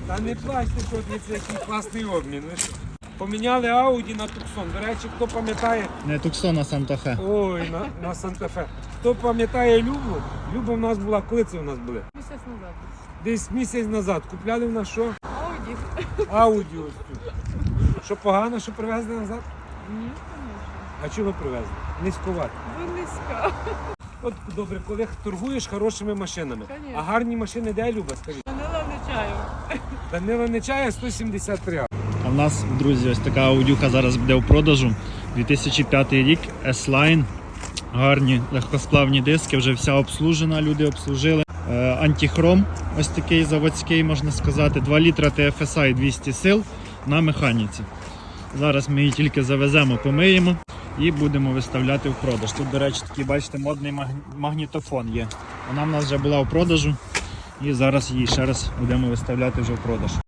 Та не плачте, що це який класний обмін. Ви що? Поміняли Audi на Tucson. До речі, хто пам'ятає... Не Tucson, а Санта-Фе. Ой, на Санта-Фе. Хто пам'ятає Любу? Люба в нас була, коли це в нас були? Місяць назад. Десь місяць назад. Купляли в нас що? Ауді. Audi ось тут. Що погано, що привезли назад? Ні, звісно. А чого привезли? Низькувати. Ви низька. От добре, коли торгуєш хорошими машинами. Конечно. А гарні машини де, Люба, скажіть? Данила не чаю. Данила Нечая 173. А в нас, друзі, ось така аудюха зараз буде в продажу. 2005 рік, S-Line. Гарні легкосплавні диски, вже вся обслужена, люди обслужили. Антихром, ось такий заводський, можна сказати. 2 літра TFSI 200 сил на механіці. Зараз ми її тільки завеземо, помиємо і будемо виставляти в продаж. Тут, до речі, такий, бачите, модний магнітофон є. Вона в нас вже була в продажу і зараз її ще раз будемо виставляти вже в продаж.